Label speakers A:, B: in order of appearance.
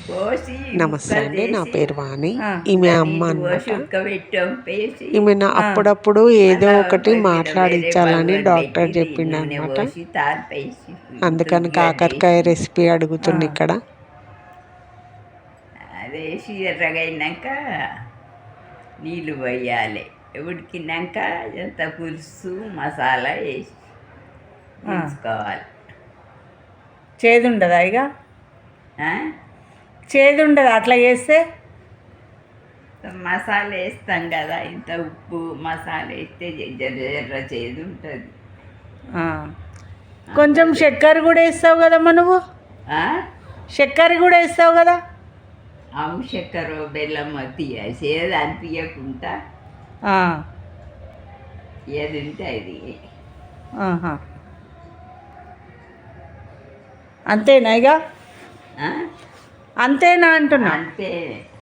A: పోసి
B: నమస్తే అండి, నా
A: చేసి
B: పేరు వాణి.
C: ఆ.
B: ఈమె అమ్మ
A: నీళ్ళు
B: అనమాట.
A: పోసి ఉడకబెట్టాం పేసి
B: ఈమె అప్పుడప్పుడు ఏదో
A: మళ్ళా
B: ఒకటి
A: పొయ్యి మీద
B: మాట్లాడించాలని
A: వేరే
B: డాక్టర్
A: పెట్టి
B: చెప్పిండు
A: నూనె
B: అనమాట.
A: పోసి తాలిపేసి
B: అందుకని
A: దుగ్గి
B: కాకరకాయ
A: అదేసి
B: రెసిపీ అడుగుతుంది ఇక్కడ.
A: అదేసి ఎర్రగైనాక నీళ్ళు పోయాలి. ఉడికినాక ఎంత పులుసు మసాలా వేసి ఉంచుకోవాలి.
C: చేదు ఉండదా ఇక? చేదు ఉండదు అట్లా చేస్తే?
A: మసాలా వేస్తాం కదా, ఇంత ఉప్పు మసాలా వేస్తే జర్ర జర్ర చేదు ఉంటుంది.
C: కొంచెం చక్కెర కూడా వేస్తావు కదమ్మా నువ్వు? చక్కెర కూడా వేస్తావు కదా?
A: ఆవు చక్కెర బెల్లం తీయ చేదు అనిపించకుండా ఏది ఉంటే అది.
C: అంతేనా ఇక? అంతేనా అంటున్నా?
A: అంతే.